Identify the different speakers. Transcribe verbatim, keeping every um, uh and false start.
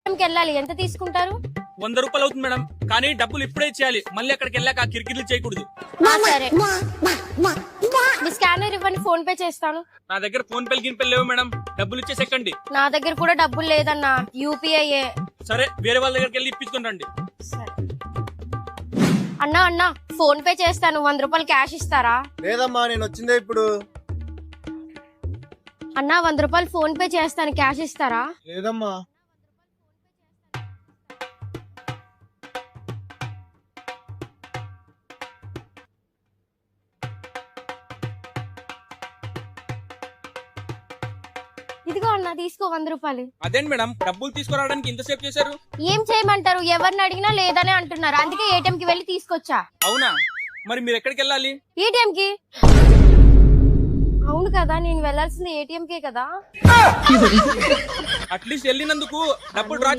Speaker 1: వెళ్ళాలి, ఎంత తీసుకుంటారు?
Speaker 2: వంద రూపాయలు అవుతుంది మేడం, కానీ డబ్బులు ఇప్పుడే ఇచ్చేయాలి, మళ్ళీ అక్కడికి వెళ్ళాక కిరికిర్లు చేయకూడదు.
Speaker 1: ఆ, సరే మీ స్కానర్ ఇవ్వండి, ఫోన్ పే చేస్తాను.
Speaker 2: నా దగ్గర ఫోన్ పేలు గిన్పేలు లేవు మేడం, డబ్బులు ఇచ్చేసేకండి.
Speaker 1: నా దగ్గర కూడా డబ్బులు లేదన్నా, యూపీఐ.
Speaker 2: సరే వేరే వాళ్ళ దగ్గరికి వెళ్ళి ఇప్పించుకుని రండి.
Speaker 1: అన్నా అన్నా ఫోన్ పే చేస్తాను, వంద రూపాయలు క్యాష్ ఇస్తారా?
Speaker 3: లేదమ్మా, నేను వచ్చిందే ఇప్పుడు.
Speaker 1: అన్నా వంద రూపాయలు ఫోన్ పే చేస్తాను, క్యాష్ ఇస్తారా?
Speaker 3: లేదమ్మా.
Speaker 1: ఇదిగో అన్నా తీసుకో వంద రూపాయలు.
Speaker 2: అదేంటి మేడం, డబ్బులు తీసుకురావడానికి ఇంతసేపు చేశారు?
Speaker 1: ఏం చేయమంటారు, ఎవరిని అడిగినా లేదనే అంటున్నారు, అందుకే ఏటీఎం కి వెళ్ళి తీసుకొచ్చా.
Speaker 2: అవునా, మరి మీరు ఎక్కడికి వెళ్ళాలి?
Speaker 1: ఏటీఎం కి. అవును కదా, నేను వెళ్లాల్సింది ఏటీఎం కే కదా.
Speaker 2: అట్లీస్ట్ వెళ్ళినందుకు డబ్బులు డ్రా